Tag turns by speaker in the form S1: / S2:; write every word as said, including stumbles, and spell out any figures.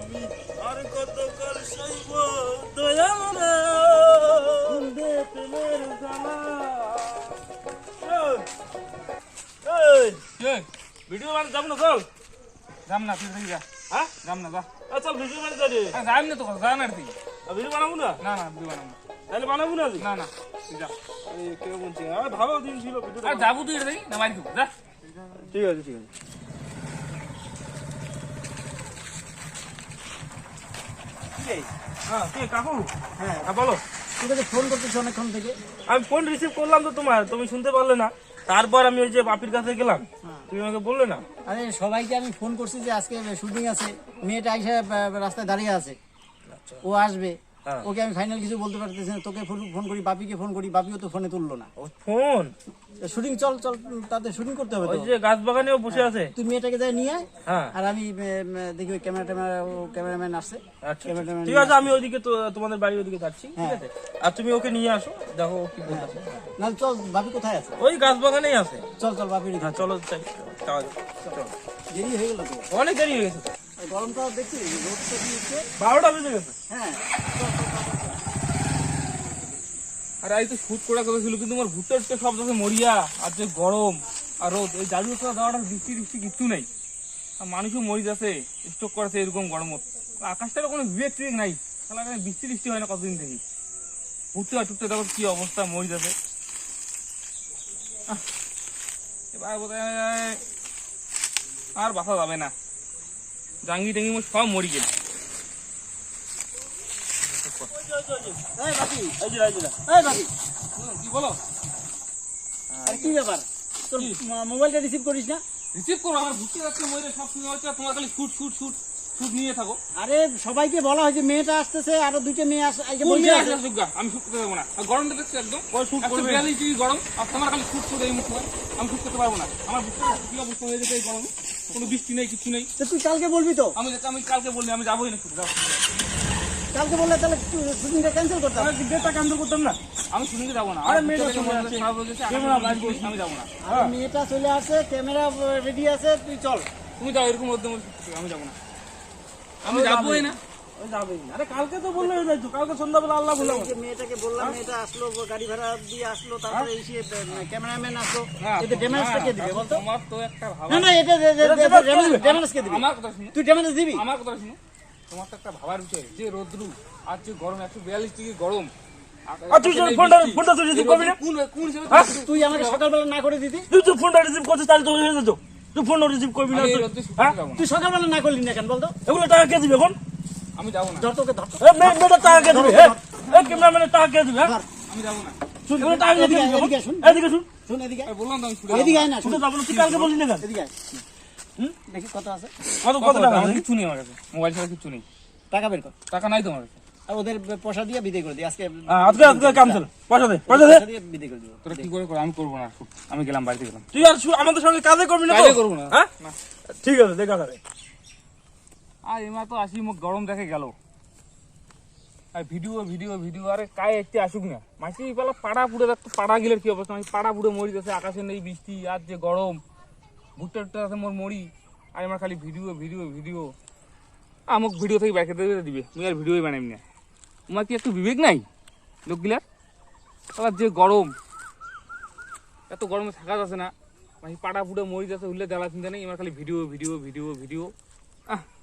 S1: আর কত কাল সইব দয়াল রে কুন্দে প্রেমের জ্বালা। এই এই ভিডিও বানাতে যাব না চল।
S2: যাম না তুই যা।
S1: হ্যাঁ
S2: যাম না যা।
S1: আচ্ছা ভিডিও বানাতে যাবি?
S2: যাইম না তো যা না তুই।
S1: ভিডিও বানাবো না?
S2: না না ভিডিও বানাবো না।
S1: তাহলে বানাবো না?
S2: না না তুই যা।
S1: আরে কেউ বলছে আর ভালো দিন ছিল ভিডিও।
S2: আর যাবো তুই রে না মারি দেবো যা।
S1: ঠিক আছে ঠিক আছে। হ্যাঁ কে কাকু?
S3: হ্যাঁ
S1: হ্যাঁ বলো।
S3: তুমি তো ফোন করতেছো অনেকক্ষণ থেকে।
S1: আমি ফোন রিসিভ করলাম তো তোমার, তুমি শুনতে পারলে না। তারপর আমি ওই যে বাপির কাছে গেলাম, তুমি আমাকে বললে না।
S3: আরে সবাইকে আমি ফোন করছি যে আজকে শুটিং আছে, মেয়েটা এসে রাস্তায় দাঁড়িয়ে আছে, ও আসবে। ওকে আমি ফাইনাল কিছু বলতে পারতেছি না। তোকে ফোন করি, বাপিকে ফোন করি, বাপিও তো ফোনে তুললো না।
S1: ফোন
S3: শুটিং চল চল, তাতে শুটিং করতে হবে।
S1: ওই যে গাছ বাগানেও বসে আছে।
S3: তুই মেয়েটাকে যাই নিয়ে আয়,
S1: হ্যাঁ
S3: আর আমি দেখি ওই ক্যামেরা ট্যামেরা, ও ক্যামেরাম্যান আসছে।
S1: আচ্ছা ঠিক আছে, আমি ওইদিকে তো তোমাদের বাড়ির ওইদিকে যাচ্ছি, ঠিক আছে? আর তুমি ওকে নিয়ে আসো, দেখো ও কি বলতেছে।
S3: না চল, বাপি কোথায় আছে?
S1: ওই গাছ বাগানেই আছে।
S3: চল চল বাপির।
S1: হ্যাঁ চলো চাই, চলো।
S3: দেরি হয়ে গেল তো,
S1: অনেক দেরি হয়ে গেছে।
S3: গরমটা দেখছি, রোদটা দিয়েছে।
S1: বারোটা বেজে গেছে।
S3: হ্যাঁ
S2: আরে এই তো শুট করা কথা ছিল, কিন্তু আমার ভুট্টা টুট্টা সব যাচ্ছে মরিয়া। আর যে গরম আর রোদ, এই জাদু করা দেওয়াটা বৃষ্টি বৃষ্টি কিচ্ছু নেই। আর মানুষও মরি যাচ্ছে, স্টক করেছে এরকম গরমত। আকাশটার কোনো বিবেক টিবেক নাই, তাহলে এখানে বৃষ্টি বৃষ্টি হয় না কতদিন থেকে। ভুট্টা টুট্টা দেখো কি অবস্থা, মরি যাচ্ছে। এবার বোধহয় আর বাসা যাবে না, জাঙ্গি টাঙ্গি মোট সব মরি গেল।
S3: এই বাপি,
S1: এই যে এই যে
S3: এই বাপি,
S2: কি বলো?
S3: আরে কি ব্যাপার, তোর মোবাইলটা রিসিভ করিস না?
S2: রিসিভ করো, আমার ঘুরতে যাচ্ছে মরে সব শুনে হচ্ছে, তোমার খালি শুট শুট শুট শুট নিয়ে থাকো।
S3: আরে সবাইকে বলা হয়েছে মেয়েটা আসতেছে, আরো দুইটা মেয়ে আসে।
S2: কোন মেয়ে আসলে আসুক গা, আমি শুট করতে পারবো না। আর গরমটা দেখছো একদম, একশো বিয়াল্লিশ ডিগ্রি গরম। আর তোমার খালি শুট শুট এই মুখে, আমি শুট করতে পারবো না। আমার বুঝতে কি অবস্থা হয়ে যেতে এই গরমে, কোনো বৃষ্টি নেই কিছু নেই।
S3: তুই কালকে বলবি তো?
S2: আমি আমি কালকে বললি আমি যাবোই না শুট।
S3: কালকে বললে তাহলে শুটিংটা ক্যান্সেল করতাম।
S1: ডেটটা ক্যান্সেল করতাম না।
S2: আমি শুটিংয়ে যাবো না।
S1: আরে মেয়েটা চলে
S2: খারাপ
S1: আসছে,
S2: হয়ে গেছে, আমি যাবো না।
S3: আর মেয়েটা চলে আসে, ক্যামেরা রেডি আছে, তুই চল।
S2: তুমি যাও, এরকম মধ্যে আমি যাবো না, আমি যাবোই না।
S1: ওই যাবেই না। আরে কালকে তো বললে হয়ে যাইতো, কালকে সন্ধ্যাবেলা আল্লাহ বললাম।
S3: এই যে মেয়েটাকে বললাম, মেয়েটা আসলো, গাড়ি ভাড়া দিয়ে আসলো, তারপরে এসে ক্যামেরাম্যান আসলো, এতে ড্যামেজটা কে দিবে বলতো?
S2: তোমার তো একটা ভাবা,
S3: না না, এটা ড্যামেজ কে দিবে?
S2: আমার কথা শুনো,
S3: তুই ড্যামেজ দিবি?
S2: আমার কথা শুনো। তোমার তো একটা ভাবার বিষয়, যে রোদ্রু আর যে গরম, একশো বিয়াল্লিশ ডিগ্রি গরম।
S1: আর তুই ফোনটা ফোনটা তুই রিসিভ করবি না?
S2: কোন কোন হিসেবে
S3: তুই আমাকে সকালবেলা না করে দিতি?
S1: তুই তো ফোনটা রিসিভ করছিস, তাহলে তো হয়ে যেত। তুই ফোনটা রিসিভ করবি না?
S2: আমি এই
S1: তুই-
S2: রোদ্রে শুতে
S1: হ্যাঁ?
S2: যাবো না।
S3: তুই সকালবেলা না করলি না কেন বলতো?
S1: এগুলো টাকা কে দিবে এখন?
S2: আমি যাবো না,
S3: ধর তোকে, ধর।
S1: এ মেয়ে মেয়েটার টাকা কে দিবে? এই ক্যামেরাম্যানের টাকা কে দিবে? হ্যাঁ?
S2: আমি যাবো না।
S1: শুন, এগুলো টাকা কে দিবে?
S3: এদিকে শুন,
S1: এদিকে শুন।
S3: শুন এদিকে আয়।
S2: আমি বললাম তো আমি শুতে
S3: এদিকে আয় না, শুন
S1: শুনতে যাবো না, তুই কালকে বললি না কেন?
S3: এদিকে আয়। হুম, দেখি কত আছে,
S1: কত
S2: কত
S1: কত টাকা
S2: আমার
S1: আছে?
S2: কিছু নেই, আমার কাছে মোবাইল ছাড়া কিছু নেই,
S3: টাকা বের কর।
S2: টাকা নাই তোমার কাছে।
S3: আর ওদের পয়সা দিয়ে বিদায় করে দিই আজকে।
S1: হ্যাঁ, আজকে আজকে ক্যান্সেল। পয়সা দে, পয়সা দে।
S3: পয়সা দিয়ে বিদায় করে দিব।
S2: তোরা কি করে করো, আমি করবো না। আমি গেলাম, বাড়িতে গেলাম।
S1: তুই আর শু- আমাদের সঙ্গে কাজে করবি না তো?
S2: কাজে করবো না।
S1: হ্যাঁ? ঠিক আছে, দেখা যাবে।
S2: আর এমা তো আসি, মুখ গরম দেখে গেল। আর ভিডিও ভিডিও ভিডিও আরে কায় একটি আসুক না, মাসি পেলা পাড়া পুড়ে দেখতো, পাড়া গিলের কি অবস্থা, আমি পাড়া পুড়ে মরি যাচ্ছে, আকাশে নেই বৃষ্টি, আর যে গরম, ভুট্টা টুট্টা আছে মোর মরি। আর আমার খালি ভিডিও ভিডিও ভিডিও, আমাকে ভিডিও থেকে বাইকে দিবে, তুমি আর ভিডিওই বানাবি না। তোমার কি একটু বিবেক নাই লোকগুলার? তাহলে যে গরম, এত গরমে থাকা যাচ্ছে না, মাসি পাড়া পুড়ে মরি যাচ্ছে, উঠলে দেওয়া চিন্তা নেই, আমার খালি ভিডিও ভিডিও ভিডিও ভিডিও। আহ